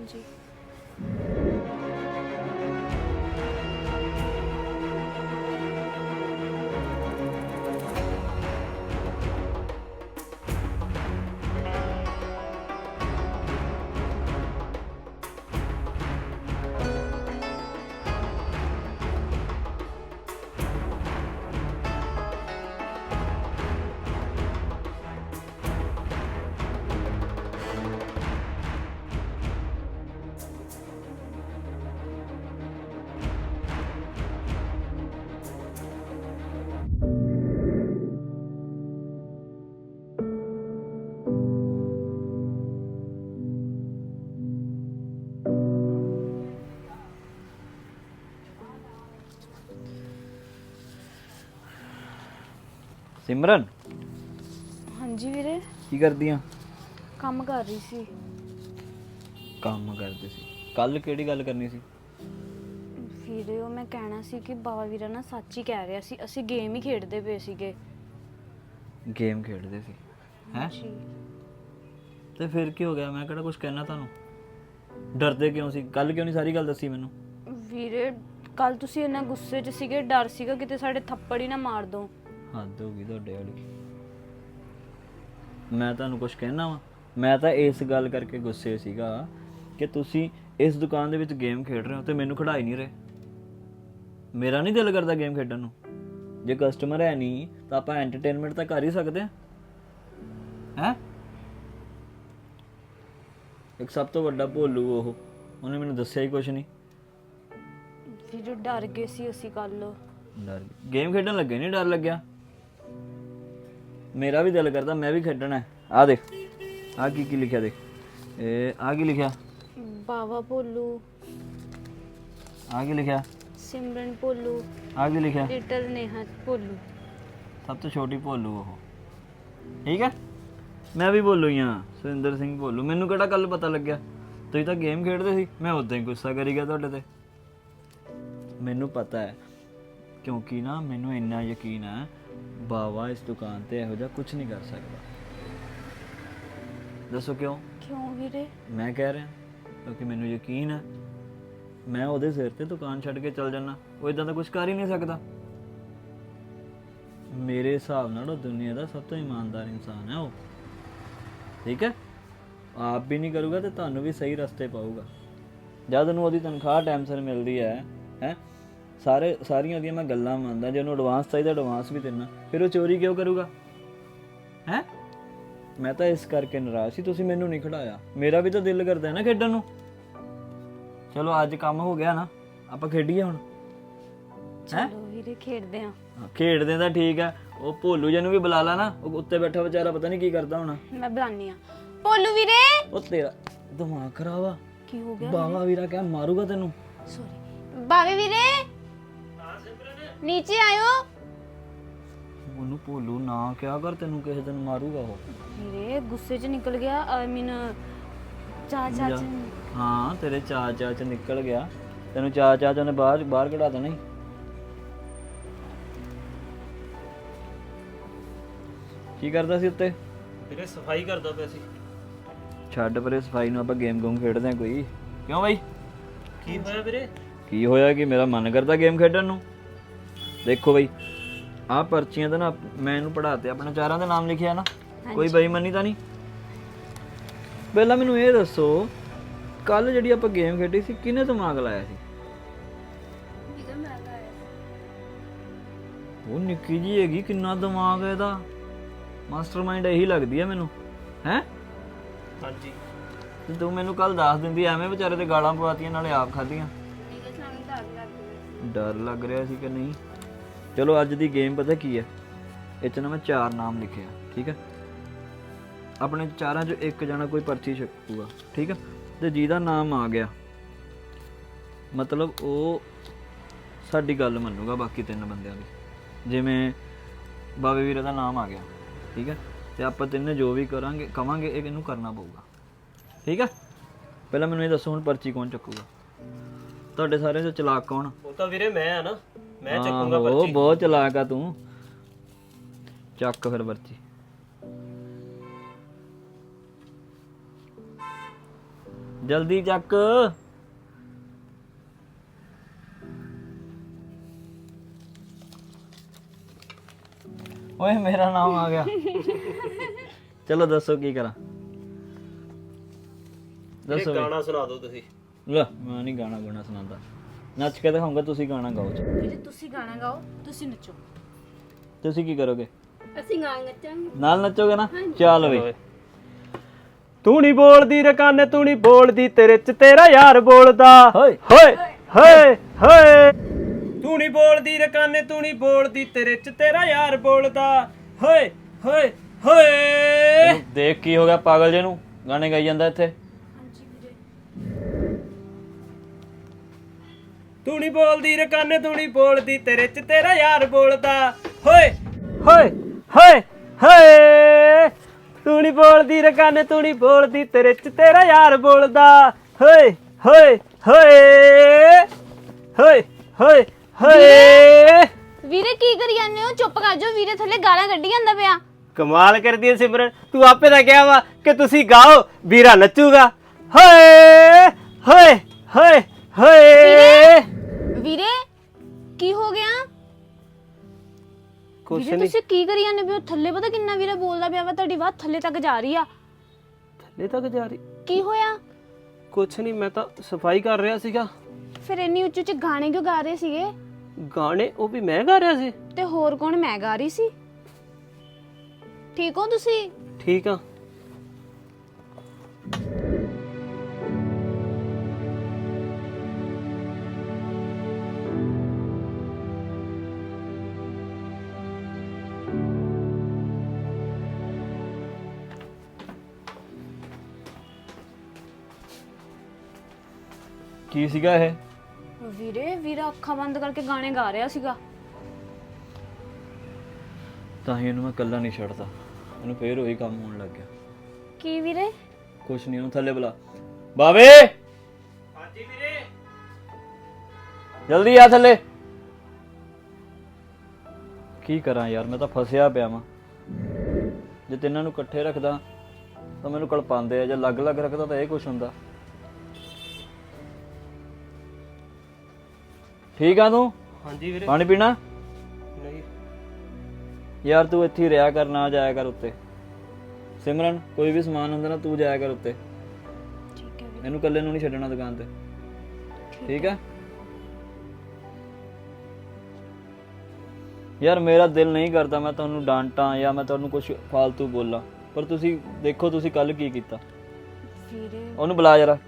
ਸਿਮਰਨ ਹਾਂਜੀ ਵੀਰੇ, ਕੀ ਕਰਦੀ ਆ? ਕੰਮ ਕਰ ਰਹੀ ਸੀ। ਕੰਮ ਕਰਦੇ ਸੀ? ਕੱਲ ਕਿਹੜੀ ਗੱਲ ਕਰਨੀ ਸੀ? ਵੀਰੇ ਉਹ ਮੈਂ ਕਹਿਣਾ ਸੀ ਕਿ ਬਾਬਾ ਵੀਰਾ ਨਾ ਸੱਚ ਹੀ ਕਹਿ ਰਿਹਾ ਸੀ, ਅਸੀਂ ਗੇਮ ਹੀ ਖੇਡਦੇ ਪਏ ਸੀਗੇ। ਗੇਮ ਖੇਡਦੇ ਸੀ ਹੈ? ਜੀ ਤੇ ਫਿਰ ਕੀ ਹੋ ਗਿਆ? ਮੈਂ ਕਿਹੜਾ ਕੁਝ ਕਹਿਣਾ ਤੁਹਾਨੂੰ? ਡਰਦੇ ਕਿਉਂ ਸੀ? ਕੱਲ ਕਿਉਂ ਨਹੀਂ ਸਾਰੀ ਗੱਲ ਦੱਸੀ ਮੈਨੂੰ? ਵੀਰੇ ਕੱਲ ਤੁਸੀਂ ਇੰਨਾ ਗੁੱਸੇ 'ਚ ਸੀਗੇ, ਡਰ ਸੀਗਾ ਕਿਤੇ ਸਾਡੇ ਥੱਪੜ ਹੀ ਨਾ ਮਾਰ ਦੋ। ਹੱਦ ਹੋ ਗਈ ਤੁਹਾਡੇ ਵਾਲੀ। ਮੈਂ ਤੁਹਾਨੂੰ ਕੁਝ ਕਹਿਣਾ ਵਾ? ਮੈਂ ਤਾਂ ਇਸ ਗੱਲ ਕਰਕੇ ਗੁੱਸੇ ਸੀਗਾ ਕਿ ਤੁਸੀਂ ਇਸ ਦੁਕਾਨ ਦੇ ਵਿੱਚ ਗੇਮ ਖੇਡ ਰਹੇ ਹੋ ਤੇ ਮੈਨੂੰ ਖਿਡਾ ਹੀ ਨਹੀਂ ਰਹੇ। ਮੇਰਾ ਨਹੀਂ ਦਿਲ ਕਰਦਾ ਗੇਮ ਖੇਡਣ ਨੂੰ। ਜੇ ਕਸਟਮਰ ਹੈ ਨਹੀਂ ਤਾਂ ਆਪਾਂ ਐਂਟਰਟੇਨਮੈਂਟ ਤਾਂ ਕਰ ਹੀ ਸਕਦੇ ਹਾਂ, ਹੈ? ਇੱਕ ਸਭ ਤੋਂ ਵੱਡਾ ਭੋਲੂ ਉਹਨੇ ਮੈਨੂੰ ਦੱਸਿਆ ਹੀ ਕੁਝ ਨਹੀਂ। ਵੀਰੇ ਡਰ ਗਏ ਸੀ ਅਸੀਂ ਕੱਲ। ਡਰ ਗੇਮ ਖੇਡਣ ਲੱਗੇ ਨਹੀਂ ਡਰ ਲੱਗਿਆ? ਮੇਰਾ ਵੀ ਦਿਲ ਕਰਦਾ ਮੈਂ ਵੀ ਖੇਡਣਾ ਹੈ। ਆ ਦੇਖ, ਆ ਕੀ ਲਿਖਿਆ ਦੇਖ। ਇਹ ਆ ਕੀ ਲਿਖਿਆ? ਬਾਵਾ ਭੋਲੂ। ਆ ਕੀ ਲਿਖਿਆ? ਸਿਮਰਨ ਭੋਲੂ। ਆ ਕੀ ਲਿਖਿਆ? ਲਿਟਲ ਨੇਹਾ ਭੋਲੂ। ਸਭ ਤੋਂ ਛੋਟੀ ਭੋਲੂ ਉਹ, ਠੀਕ ਹੈ? ਮੈਂ ਵੀ ਭੋਲੂ ਹੀ ਹਾਂ, ਸੁਰਿੰਦਰ ਸਿੰਘ ਭੋਲੂ। ਮੈਨੂੰ ਕਿਹੜਾ ਕੱਲ ਪਤਾ ਲੱਗਿਆ? ਤੁਸੀਂ ਤਾਂ ਗੇਮ ਖੇਡਦੇ ਸੀ, ਮੈਂ ਉਦਾਂ ਹੀ ਗੁੱਸਾ ਕਰੀ ਗਿਆ ਤੁਹਾਡੇ ਤੇ। ਮੈਨੂੰ ਪਤਾ ਹੈ, ਕਿਉਂਕਿ ਨਾ ਮੈਨੂੰ ਇੰਨਾ ਯਕੀਨ ਹੈ ਬਾਵਾ ਇਸ ਦੁਕਾਨ ਤੇ ਇਹੋ ਜਿਹਾ ਕੁਝ ਨਹੀਂ ਕਰ ਸਕਦਾ। ਦੱਸੋ ਕਿਉਂ? ਕਿਉਂ ਵੀਰੇ? ਮੈਂ ਕਹਿ ਰਿਹਾ ਕਿਉਂਕਿ ਮੈਨੂੰ ਯਕੀਨ ਹੈ ਮੈਂ ਉਹਦੇ ਸਿਰ ਤੇ ਦੁਕਾਨ ਛੱਡ ਕੇ ਚੱਲ ਜਾਣਾ। ਉਹ ਇਦਾਂ ਦਾ ਕੁਝ ਕਰ ਹੀ ਨਹੀਂ ਸਕਦਾ। ਮੇਰੇ ਹਿਸਾਬ ਨਾਲ ਉਹ ਦੁਨੀਆ ਦਾ ਸਭ ਤੋਂ ਇਮਾਨਦਾਰ ਇਨਸਾਨ ਹੈ ਉਹ, ਠੀਕ ਹੈ? ਆਪ ਵੀ ਨਹੀਂ ਕਰੂਗਾ ਤੇ ਤੁਹਾਨੂੰ ਵੀ ਸਹੀ ਰਸਤੇ ਪਾਊਗਾ। ਜਦ ਉਹਨੂੰ ਉਹਦੀ ਤਨਖਾਹ ਟਾਈਮ ਸਿਰ ਮਿਲਦੀ ਹੈ ਸਾਰੀਆਂ ਉਹਦੀਆਂ ਮੈਂ ਗੱਲਾਂ ਮੰਨਦਾ। ਜੇ ਉਹਨੂੰ ਐਡਵਾਂਸ ਚਾਹੀਦਾ ਐਡਵਾਂਸ ਵੀ ਦੇਣਾ, ਫਿਰ ਉਹ ਚੋਰੀ ਕਿਉਂ ਕਰੂਗਾ? ਹੈ? ਮੈਂ ਤਾਂ ਇਸ ਕਰਕੇ ਨਾਰਾਜ਼ ਸੀ ਤੁਸੀਂ ਮੈਨੂੰ ਨਹੀਂ ਖੜਾਇਆ। ਮੇਰਾ ਵੀ ਤਾਂ ਦਿਲ ਕਰਦਾ ਹੈ ਨਾ ਖੇਡਣ ਨੂੰ। ਚਲੋ ਅੱਜ ਕੰਮ ਹੋ ਗਿਆ ਨਾ, ਆਪਾਂ ਖੇਡੀਏ ਹੁਣ। ਚਲੋ ਵੀਰੇ ਖੇਡਦੇ ਆਂ। ਖੇਡਦੇ ਤਾਂ ਠੀਕ ਆ, ਉਹ ਭੋਲੂ ਜੀ ਨੂੰ ਵੀ ਬੁਲਾ ਲਾ ਨਾ, ਉਹ ਉੱਤੇ ਬੈਠਾ ਵਿਚਾਰਾ ਪਤਾ ਨਹੀਂ ਕੀ ਕਰਦਾ ਹੋਣਾ। ਮੈਂ ਬੁਲਾਨੀ ਆ। ਭੋਲੂ ਵੀਰੇ। ਉਹ ਤੇਰਾ ਦਿਮਾਗ ਖਰਾਬ ਆ। ਕੀ ਹੋ ਗਿਆ? ਬਾਵਾ ਵੀਰਾ ਕਹਿ ਮਾਰੂਗਾ ਤੈਨੂੰ। ਸੌਰੀ ਬਾਵੇ ਵੀਰੇ। ਨੀਚੇ ਆਇਓ। ਉਹਨੂੰ ਭੋਲੂ ਨਾ ਕਿਹਾ ਕਰ, ਤੈਨੂੰ ਕਿਸੇ ਦਿਨ ਮਾਰੂਗਾ ਉਹ। ਵੀਰੇ ਗੁੱਸੇ 'ਚ ਨਿਕਲ ਗਿਆ। ਆਈ ਮੀਨ ਚਾਚਾ ਜਾ। ਹਾਂ ਤੇਰੇ ਚਾਚਾ ਚ ਨਿਕਲ ਗਿਆ, ਤੈਨੂੰ ਚਾਚਾ ਚ ਉਹਨੇ ਬਾਹਰ ਬਾਹਰ ਕਢਾ ਦੇਣਾ ਈ। ਕੀ ਕਰਦਾ ਸੀ ਉੱਤੇ? ਵੀਰੇ ਸਫਾਈ ਕਰਦਾ ਪਿਆ ਸੀ। ਛੱਡ ਪਰੇ ਸਫਾਈ ਨੂੰ, ਆਪਾਂ ਗੇਮ ਗੂਮ ਖੇਡਦੇ ਆ ਕੋਈ। ਕਿਉਂ ਬਾਈ? ਕੀ ਹੋਇਆ ਵੀਰੇ? ਕੀ ਹੋਇਆ ਕਿ ਮੇਰਾ ਮਨ ਕਰਦਾ ਗੇਮ ਖੇਡਣ ਨੂੰ। ਦੇਖੋ ਬਈ, ਆਹ ਪਰਚੀਆਂ ਤੇ ਨਾ ਮੈਂ ਇਹਨੂੰ ਪੜਾਤੇ, ਆਪਣੇ ਚਾਰਾਂ ਦੇ ਨਾਮ ਲਿਖਿਆ ਨਾ, ਕੋਈ ਬੇਈਮਾਨੀ ਤਾਂ ਨਹੀਂ। ਪਹਿਲਾਂ ਮੈਨੂੰ ਇਹ ਦੱਸੋ, ਕੱਲ ਜਿਹੜੀ ਆਪਾਂ ਗੇਮ ਖੇਡੀ ਸੀ ਕਿਹਨੇ ਦਿਮਾਗ ਲਾਇਆ ਸੀ? ਉਹ ਨਿੱਕੀ ਜੀ ਹੈਗੀ, ਕਿੰਨਾ ਦਿਮਾਗ ਹੈ ਇਹਦਾ। ਮਾਸਟਰਮਾਈਂਡ ਇਹੀ ਲੱਗਦੀ ਹੈ ਮੈਨੂੰ। ਹੈ ਹਾਂਜੀ। ਤੇ ਤੂੰ ਮੈਨੂੰ ਕੱਲ ਦੱਸ ਦਿੰਦੀ, ਐਵੇਂ ਵਿਚਾਰੇ ਤੇ ਗਾਲਾਂ ਪਵਾਤੀਆਂ ਨਾਲੇ ਆਪ ਖਾਧੀਆਂ। ਡਰ ਲੱਗ ਰਿਹਾ ਸੀ ਕਿ ਨਹੀਂ? ਚਲੋ ਅੱਜ ਦੀ ਗੇਮ ਪਤਾ ਕੀ ਹੈ, ਇਹ 'ਚ ਨਾ ਮੈਂ 4 ਨਾਮ ਲਿਖੇ ਆ, ਠੀਕ ਹੈ। ਆਪਣੇ ਚਾਰਾਂ 'ਚੋਂ ਇੱਕ ਜਣਾ ਕੋਈ ਪਰਚੀ ਛਕੂਗਾ, ਠੀਕ ਹੈ। ਤੇ ਜਿਹਦਾ ਨਾਮ ਆ ਗਿਆ ਮਤਲਬ ਉਹ ਸਾਡੀ ਗੱਲ ਮੰਨੂਗਾ ਬਾਕੀ 3 ਬੰਦਿਆਂ ਦੀ। ਜਿਵੇਂ ਬਾਵੇ ਵੀਰੇ ਦਾ ਨਾਮ ਆ ਗਿਆ, ਠੀਕ ਹੈ, ਤੇ ਆਪਾਂ ਤਿੰਨੇ ਜੋ ਵੀ ਕਰਾਂਗੇ ਕਵਾਂਗੇ ਇਹ ਇਹਨੂੰ ਕਰਨਾ ਪਊਗਾ, ਠੀਕ ਹੈ। ਪਹਿਲਾਂ ਮੈਨੂੰ ਇਹ ਦੱਸੋ, ਹੁਣ ਪਰਚੀ ਕੌਣ ਚੱਕੂਗਾ? ਤੁਹਾਡੇ ਸਾਰਿਆਂ 'ਚੋਂ ਚਲਾਕ ਕੌਣ? ਉਹ ਤਾਂ ਵੀਰੇ ਮੈਂ ਆ ਨਾ, ਮੈਂ ਚੱਕੂਗਾ ਉਹ ਪਰਚੀ। ਬਹੁਤ ਚਲਾਕ ਆ ਤੂੰ। ਚੱਕ ਫਿਰ ਪਰਚੀ। ਜਲਦੀ ਚੱਕ। ਓਏ ਮੇਰਾ ਨਾਮ ਆ ਗਿਆ। ਚਲੋ ਦੱਸੋ ਕੀ ਕਰਾਂ? ਵੀਰੇ ਦੱਸੋ। ਗਾਣਾ ਸੁਣਾ ਦਿਓ ਤੁਸੀਂ। ਲੈ ਮੈਂ ਨਹੀਂ ਗਾਣਾ ਗੁਣਾ ਸੁਣਾਉਂਦਾ, ਨੱਚ ਕੇ ਦਿਖਾਉਂਗਾ, ਤੁਸੀਂ ਗਾਣਾ ਗਾਓ। ਵੀਰੇ ਤੁਸੀਂ ਗਾਣਾ ਗਾਓ, ਤੁਸੀਂ ਨੱਚੋ। ਤੁਸੀਂ ਕੀ ਕਰੋਗੇ? ਅਸੀਂ ਗਾਣਾ ਨੱਚਾਂਗੇ। ਨਾਲ ਨੱਚੋਗੇ ਨਾ? ਚੱਲ ਬਈ। ਤੂੰ ਨਹੀਂ ਬੋਲਦੀ ਰਕਾਨੇ, ਤੂੰ ਨਹੀਂ ਬੋਲਦੀ, ਤੇਰੇ ਚ ਤੇਰਾ ਯਾਰ ਬੋਲਦਾ। ਹੋਏ ਹੋਏ ਹੋਏ ਹੋਏ। ਤੂੰ ਨਹੀਂ ਬੋਲਦੀ ਰਕਾਨੇ, ਤੂੰ ਨਹੀਂ ਬੋਲਦੀ, ਤੇਰੇ ਚ ਤੇਰਾ ਯਾਰ ਬੋਲਦਾ। ਹੋਏ ਹੋਏ ਹੋਏ। ਦੇਖ ਕੀ ਹੋ ਗਿਆ ਪਾਗਲ ਜੇ ਨੂੰ, ਗਾਣੇ ਗਾਈ ਜਾਂਦਾ ਇੱਥੇ। ਤੂੰ ਨਹੀਂ ਬੋਲਦੀ ਰਕਾਨੇ, ਤੂੰ ਨਹੀਂ ਬੋਲਦੀ, ਤੇਰੇ ਚ ਤੇਰਾ ਯਾਰ ਬੋਲਦਾ। ਹੋਏ ਹੋਏ ਹੋਏ ਹੋਏ। ਤੂੰ ਨਹੀਂ ਬੋਲਦੀ ਰਕਾਨੇ, ਤੂੰ ਨਹੀਂ ਬੋਲਦੀ, ਤੇਰੇ ਚ ਤੇਰਾ ਯਾਰ ਬੋਲਦਾ। ਹੋਏ ਹੋਏ ਹੋਏ ਹੋਏ ਹੋਏ ਹੋਏ। ਵੀਰੇ ਕੀ ਕਰੀ ਜਾਂਦੇ ਹੋ? ਚੁੱਪ ਕਰ ਜਾਓ, ਵੀਰੇ ਥੱਲੇ ਗਾਲਾਂ ਕੱਢੀ ਜਾਂਦਾ ਪਿਆ। ਕਮਾਲ ਕਰਦੀ ਹੈ ਸਿਮਰਨ, ਤੂੰ ਆਪੇ ਤਾਂ ਕਿਹਾ ਵਾ ਕਿ ਤੁਸੀਂ ਗਾਓ, ਵੀਰਾ ਨੱਚੂਗਾ। ਹੋਏ ਹੋਏ ਹੋਏ ਹੋਏ। ਵੀਰੇ ਕੀ ਹੋ ਗਿਆ? ਕੁਛ ਵੀਰੇ ਨਹੀਂ, ਤੁਸੀਂ ਕੀ ਕਰੀ ਜਾਂਦੇ ਪਿਓ? ਥੱਲੇ ਪਤਾ ਕਿੰਨਾ ਵੀਰੇ ਬੋਲਦਾ ਪਿਆ ਵਾ, ਤੁਹਾਡੀ ਆਵਾਜ਼ ਥੱਲੇ ਤੱਕ ਜਾ ਰਹੀ ਆ। ਥੱਲੇ ਤੱਕ ਜਾ ਰਹੀ? ਕੀ ਹੋਇਆ? ਕੁਛ ਨਹੀਂ, ਮੈਂ ਤਾਂ ਸਫਾਈ ਕਰ ਰਿਹਾ ਸੀਗਾ। ਫਿਰ ਇੰਨੀ ਉੱਚੀ ਉੱਚੀ ਗਾਣੇ ਕਿਉਂ ਗਾ ਰਹੇ ਸੀਗੇ? ਗਾਣੇ ਉਹ ਵੀ ਮੈਂ ਗਾ ਰਿਹਾ ਸੀ। ਤੇ ਹੋਰ ਕੌਣ? ਮੈਂ ਗਾ ਰਹੀ ਸੀ। ਠੀਕ ਹੋ ਤੁਸੀਂ? ਠੀਕ ਆ। ਕੀ ਸੀਗਾ ਇਹ? ਵੀਰੇ ਵੀਰਾ ਅੱਖਾਂ ਬੰਦ ਕਰਕੇ ਗਾਣੇ ਗਾ ਰਿਹਾ ਸੀਗਾ। ਤਾਂ ਹੀ ਇਹਨੂੰ ਮੈਂ ਇਕੱਲਾ ਨਹੀਂ ਛੱਡਦਾ, ਇਹਨੂੰ ਫੇਰ ਉਹੀ ਕੰਮ ਹੋਣ ਲੱਗ ਗਿਆ। ਕੀ ਵੀਰੇ? ਕੁਛ ਨਹੀਂ, ਉਹਨੂੰ ਥੱਲੇ ਬੁਲਾ। ਬਾਵੇ ਹਾਂਜੀ ਵੀਰੇ। ਜਲਦੀ ਆ ਥੱਲੇ। ਕੀ ਕਰਾਂ ਯਾਰ, ਮੈਂ ਤਾਂ ਫਸਿਆ ਪਿਆ ਵਾਂ। ਜੇ ਤਿੰਨਾਂ ਨੂੰ ਇਕੱਠੇ ਰੱਖਦਾ ਤਾਂ ਮੈਨੂੰ ਕਲਪਾਉਂਦੇ ਆ, ਜੇ ਅਲੱਗ-ਅਲੱਗ ਰੱਖਦਾ ਤਾਂ ਇਹ ਕੁਛ ਹੁੰਦਾ। ਠੀਕ ਆ ਤੂੰ? ਹਾਂਜੀ ਵੀਰੇ। ਪਾਣੀ ਪੀਣਾ? ਨਹੀਂ ਯਾਰ ਤੂੰ ਇੱਥੇ ਹੀ ਰਿਹਾ ਕਰ, ਨਾ ਜਾਇਆ ਕਰ ਉੱਤੇ। ਸਿਮਰਨ ਕੋਈ ਵੀ ਸਮਾਨ ਹੁੰਦਾ ਨਾ ਤੂੰ ਜਾਇਆ ਕਰ ਉੱਤੇ। ਠੀਕ ਹੈ ਵੀਰੇ। ਇਹਨੂੰ ਇਕੱਲੇ ਨੂੰ ਨਹੀਂ ਛੱਡਣਾ ਦੁਕਾਨ ਤੇ, ਠੀਕ ਹੈ? ਯਾਰ ਮੇਰਾ ਦਿਲ ਨਹੀਂ ਕਰਦਾ ਮੈਂ ਤੁਹਾਨੂੰ ਡਾਂਟਾਂ ਜਾਂ ਮੈਂ ਤੁਹਾਨੂੰ ਕੁਝ ਫਾਲਤੂ ਬੋਲਾਂ, ਪਰ ਤੁਸੀਂ ਦੇਖੋ ਤੁਸੀਂ ਕੱਲ ਕੀ ਕੀਤਾ। ਵੀਰੇ ਉਹਨੂੰ ਬੁਲਾ ਜਰਾ।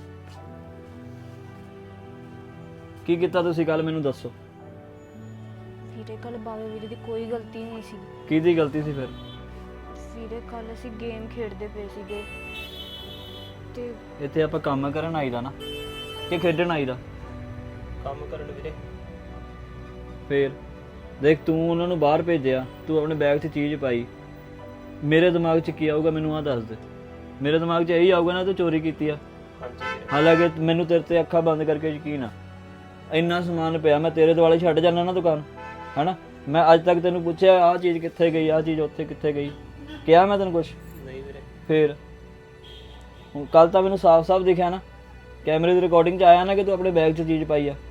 ਕੀ ਕੀਤਾ ਤੁਸੀਂ ਕੱਲ, ਮੈਨੂੰ ਦੱਸੋ। ਵੀਰੇ ਕੱਲ ਬਾਵੇ ਵੀਰੇ ਦੀ ਕੋਈ ਗਲਤੀ ਨਹੀਂ ਸੀ। ਕਿਹਦੀ ਗਲਤੀ ਸੀ ਫਿਰ? ਵੀਰੇ ਕੱਲ ਅਸੀਂ ਗੇਮ ਖੇਡਦੇ ਪਏ ਸੀਗੇ ਤੇ ਇੱਥੇ ਆਪਾਂ ਕੰਮ ਕਰਨ ਆਈਦਾ ਨਾ ਕਿ ਖੇਡਣ ਆਈਦਾ? ਕੰਮ ਕਰਨ ਵੀਰੇ। ਫੇਰ ਦੇਖ ਤੂੰ ਉਹਨਾਂ ਨੂੰ ਬਾਹਰ ਭੇਜਿਆ, ਤੂੰ ਆਪਣੇ ਬੈਗ 'ਚ ਚੀਜ਼ ਪਾਈ, ਮੇਰੇ ਦਿਮਾਗ 'ਚ ਕੀ ਆਊਗਾ ਮੈਨੂੰ ਆਹ ਦੱਸ ਦੇ। ਮੇਰੇ ਦਿਮਾਗ 'ਚ ਇਹੀ ਆਊਗਾ ਨਾ ਤੂੰ ਚੋਰੀ ਕੀਤੀ ਆ। ਹਾਂਜੀ ਵੀਰੇ। ਹਾਲਾਂਕਿ ਮੈਨੂੰ ਤੇਰੇ ਤੇ ਅੱਖਾਂ ਬੰਦ ਕਰਕੇ ਯਕੀਨ ਆ, ਇੰਨਾ ਸਮਾਨ ਪਿਆ, ਮੈਂ ਤੇਰੇ ਦੁਆਲੇ ਛੱਡ ਜਾਣਾ ਨਾ ਦੁਕਾਨ, ਹੈਨਾ। ਮੈਂ ਅੱਜ ਤੱਕ ਤੈਨੂੰ ਪੁੱਛਿਆ ਆਹ ਚੀਜ਼ ਕਿੱਥੇ ਗਈ, ਆਹ ਚੀਜ਼ ਉੱਥੇ ਕਿੱਥੇ ਗਈ, ਕਿਹਾ ਮੈਂ ਤੈਨੂੰ ਕੁਛ? ਨਹੀਂ ਵੀਰੇ। ਫੇਰ ਹੁਣ ਕੱਲ ਤਾਂ ਮੈਨੂੰ ਸਾਫ਼-ਸਾਫ਼ ਦਿਖਿਆ ਨਾ, ਕੈਮਰੇ ਦੀ ਰਿਕਾਰਡਿੰਗ 'ਚ ਆਇਆ ਨਾ ਕਿ ਤੂੰ ਆਪਣੇ ਬੈਗ 'ਚ ਚੀਜ਼ ਪਾਈ ਆ।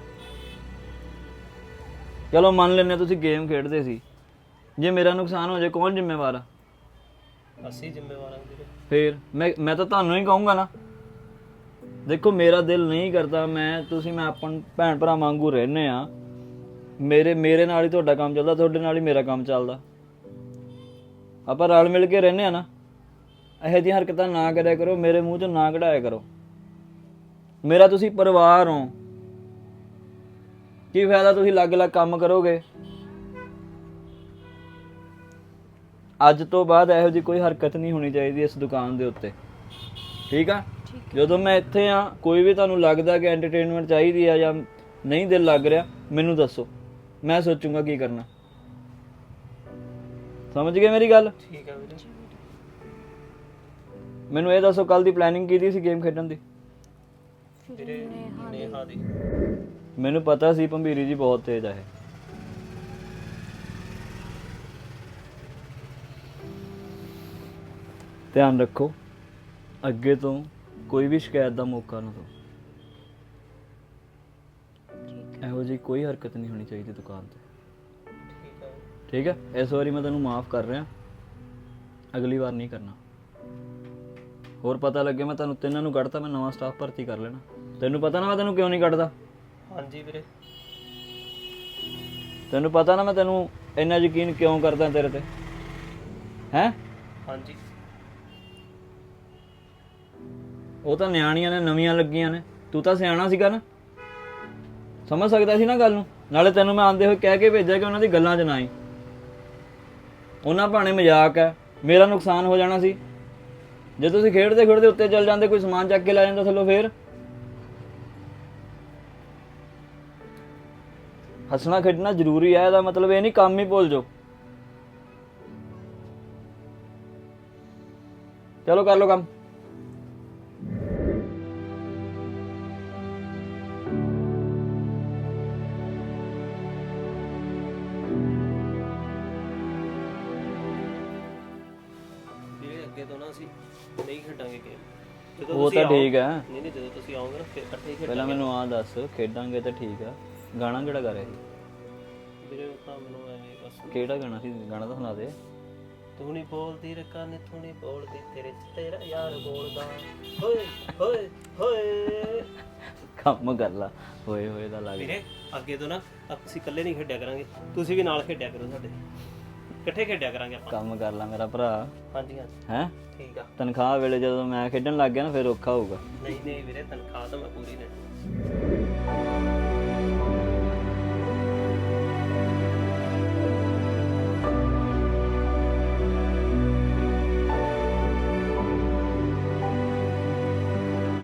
ਚਲੋ ਮੰਨ ਲੈਂਦੇ ਤੁਸੀਂ ਗੇਮ ਖੇਡਦੇ ਸੀ, ਜੇ ਮੇਰਾ ਨੁਕਸਾਨ ਹੋ ਜਾਏ ਕੌਣ ਜ਼ਿੰਮੇਵਾਰ ਆ? ਅਸੀਂ ਜ਼ਿੰਮੇਵਾਰ ਹਾਂ ਵੀਰੇ। ਫੇਰ ਮੈਂ ਤਾਂ ਤੁਹਾਨੂੰ ਹੀ ਕਹੂੰਗਾ ਨਾ। ਦੇਖੋ ਮੇਰਾ ਦਿਲ ਨਹੀਂ ਕਰਦਾ, ਮੈਂ ਆਪਾਂ ਭੈਣ ਭਰਾ ਵਾਂਗੂ ਰਹਿੰਦੇ ਆ, ਮੇਰੇ ਨਾਲ ਹੀ ਤੁਹਾਡਾ ਕੰਮ ਚੱਲਦਾ, ਤੁਹਾਡੇ ਨਾਲ ਹੀ ਮੇਰਾ ਕੰਮ ਚੱਲਦਾ, ਆਪਾਂ ਰਲ ਮਿਲ ਕੇ ਰਹਿੰਦੇ ਆ ਨਾ। ਇਹੋ ਜਿਹੀਆਂ ਹਰਕਤਾਂ ਨਾ ਕਰਿਆ ਕਰੋ, ਮੇਰੇ ਮੂੰਹ 'ਚੋਂ ਨਾ ਕਢਾਇਆ ਕਰੋ। ਮੇਰਾ ਤੁਸੀਂ ਪਰਿਵਾਰ ਹੋ, ਕੀ ਫਾਇਦਾ ਤੁਸੀਂ ਅਲੱਗ-ਅਲੱਗ ਕੰਮ ਕਰੋਗੇ। ਅੱਜ ਤੋਂ ਬਾਅਦ ਇਹੋ ਜਿਹੀ ਕੋਈ ਹਰਕਤ ਨਹੀਂ ਹੋਣੀ ਚਾਹੀਦੀ ਇਸ ਦੁਕਾਨ ਦੇ ਉੱਤੇ, ਠੀਕ ਆ? ਜਦੋਂ ਮੈਂ ਇੱਥੇ ਆ, ਕੋਈ ਵੀ ਤੁਹਾਨੂੰ ਲੱਗਦਾ ਕਿ ਐਂਟਰਟੇਨਮੈਂਟ ਚਾਹੀਦੀ ਆ ਜਾਂ ਨਹੀਂ ਦਿਲ ਲੱਗ ਰਿਹਾ, ਮੈਨੂੰ ਦੱਸੋ, ਮੈਂ ਸੋਚੂੰਗਾ ਕੀ ਕਰਨਾ। ਸਮਝ ਗਏ ਮੇਰੀ ਗੱਲ? ਠੀਕ ਹੈ ਵੀਰੇ। ਮੈਨੂੰ ਇਹ ਦੱਸੋ ਕੱਲ ਦੀ ਪਲੈਨਿੰਗ ਕੀਤੀ ਸੀ ਗੇਮ ਖੇਡਣ ਦੀ? ਵੀਰੇ ਨੇਹਾ ਦੀ। ਮੈਨੂੰ ਪਤਾ ਸੀ ਭੰਬੀਰੀ ਜੀ ਬਹੁਤ ਤੇਜ਼ ਆ ਇਹ। ਧਿਆਨ ਰੱਖੋ, ਅੱਗੇ ਤੋਂ ਕੋਈ ਵੀ ਸ਼ਿਕਾਇਤ ਦਾ ਮੌਕਾ ਨਾ ਦਿਓ। ਇਹੋ ਜਿਹੀ ਕੋਈ ਹਰਕਤ ਨਹੀਂ ਹੋਣੀ ਚਾਹੀਦੀ ਦੁਕਾਨ ਤੇ, ਠੀਕ ਹੈ। ਠੀਕ ਹੈ? ਇਸ ਵਾਰੀ ਮੈਂ ਤੈਨੂੰ ਮਾਫ ਕਰ ਰਿਹਾ, ਅਗਲੀ ਵਾਰ ਨਹੀਂ ਕਰਨਾ। ਹੋਰ ਪਤਾ ਲੱਗੇ ਮੈਂ ਤੁਹਾਨੂੰ ਤਿੰਨਾਂ ਨੂੰ ਕੱਢਤਾ, ਮੈਂ ਨਵਾਂ ਸਟਾਫ ਭਰਤੀ ਕਰ ਲੈਣਾ। ਤੈਨੂੰ ਪਤਾ ਨਾ ਮੈਂ ਤੈਨੂੰ ਕਿਉਂ ਨਹੀਂ ਕੱਢਦਾ? ਹਾਂਜੀ ਵੀਰੇ। ਤੈਨੂੰ ਪਤਾ ਨਾ ਮੈਂ ਤੈਨੂੰ ਇੰਨਾ ਯਕੀਨ ਕਿਉਂ ਕਰਦਾ ਤੇਰੇ ਤੇ, ਹੈਂ? ਹਾਂਜੀ। ਉਹ ਤਾਂ ਨਿਆਣੀਆਂ ਨੇ, ਨਵੀਆਂ ਲੱਗੀਆਂ ਨੇ, ਤੂੰ ਤਾਂ ਸਿਆਣਾ ਸੀਗਾ ਨਾ, ਸਮਝ ਸਕਦਾ ਸੀ ਨਾ ਗੱਲ ਨੂੰ। ਨਾਲੇ ਤੈਨੂੰ ਮੈਂ ਆਂਦੇ ਹੋਏ ਕਹਿ ਕੇ ਭੇਜਿਆ ਕਿ ਉਹਨਾਂ ਦੀ ਗੱਲਾਂ 'ਚ ਨਾ ਆਈ, ਉਹਨਾਂ ਭਾਣੇ ਮਜ਼ਾਕ ਹੈ, ਮੇਰਾ ਨੁਕਸਾਨ ਹੋ ਜਾਣਾ ਸੀ। ਜੇ ਤੁਸੀਂ ਖੇਡਦੇ ਖੇਡਦੇ ਉੱਤੇ ਚੱਲ ਜਾਂਦੇ, ਕੋਈ ਸਮਾਨ ਚੱਕ ਕੇ ਲੈ ਜਾਂਦਾ ਥੱਲੋਂ, ਫੇਰ ਹੱਸਣਾ ਖੇਡਣਾ ਜ਼ਰੂਰੀ ਹੈ, ਇਹਦਾ ਮਤਲਬ ਇਹ ਨਹੀਂ ਕੰਮ ਹੀ ਭੁੱਲ ਜਾਓ। ਚਲੋ ਕਰ ਲਓ ਕੰਮ। ਵੀਰੇ ਅੱਗੇ ਤੋਂ ਨਾ ਅਸੀਂ ਨਹੀਂ ਖੇਡਾਂਗੇ ਗੇਮ। ਉਹ ਤਾਂ ਠੀਕ ਹੈ। ਨਹੀਂ ਨਹੀਂ, ਜਦੋਂ ਤੁਸੀਂ ਆਓਗੇ ਨਾ ਫਿਰ ਇਕੱਠੇ ਹੀ ਪਹਿਲਾਂ ਖੇਡਾਂਗੇ। ਮੈਨੂੰ ਆਹ ਦੱਸ, ਖੇਡਾਂਗੇ ਤਾਂ ਠੀਕ ਆ, ਗਾਣਾ ਕਿਹੜਾ ਗਾ ਰਿਹਾ ਸੀ? ਵੀਰੇ ਉਹ ਤਾਂ ਮੈਨੂੰ ਐਵੇਂ ਬਸ। ਕਿਹੜਾ ਗਾਣਾ ਸੀ? ਗਾਣਾ ਤਾਂ ਸੁਣਾ ਦੇ। ਤੂੰ ਨਹੀਂ ਬੋਲਦੀ ਰਕਾਨੇ, ਤੂੰ ਨਹੀਂ ਬੋਲਦੀ, ਤੇਰੇ ਚ ਤੇਰਾ ਯਾਰ ਬੋਲਦਾ, ਹੋਏ ਹੋਏ ਹੋਏ। ਕੰਮ ਕਰ ਲਾ, ਹੋਏ ਹੋਏ ਦਾ ਲੱਗ। ਵੀਰੇ ਅੱਗੇ ਤੋਂ ਨਾ ਅਸੀਂ ਇਕੱਲੇ ਨਹੀਂ ਖੇਡਿਆ ਕਰਾਂਗੇ, ਤੁਸੀਂ ਵੀ ਨਾਲ ਖੇਡਿਆ ਕਰੋ ਸਾਡੇ, ਇਕੱਠੇ ਖੇਡਿਆ ਕਰਾਂਗੇ ਆਪਾਂ। ਕੰਮ ਕਰ ਲਾ ਮੇਰਾ ਭਰਾ। ਹਾਂਜੀ ਹਾਂਜੀ ਹੈਂ? ਠੀਕ ਆ। ਤਨਖਾਹ ਵੇਲੇ ਜਦੋਂ ਮੈਂ ਖੇਡਣ ਲੱਗ ਗਿਆ ਨਾ, ਫਿਰ ਔਖਾ ਹੋਊਗਾ। ਨਹੀਂ ਨਹੀਂ ਵੀਰੇ, ਤਨਖਾਹ ਤਾਂ ਮੈਂ ਪੂਰੀ ਲੈਣੀ।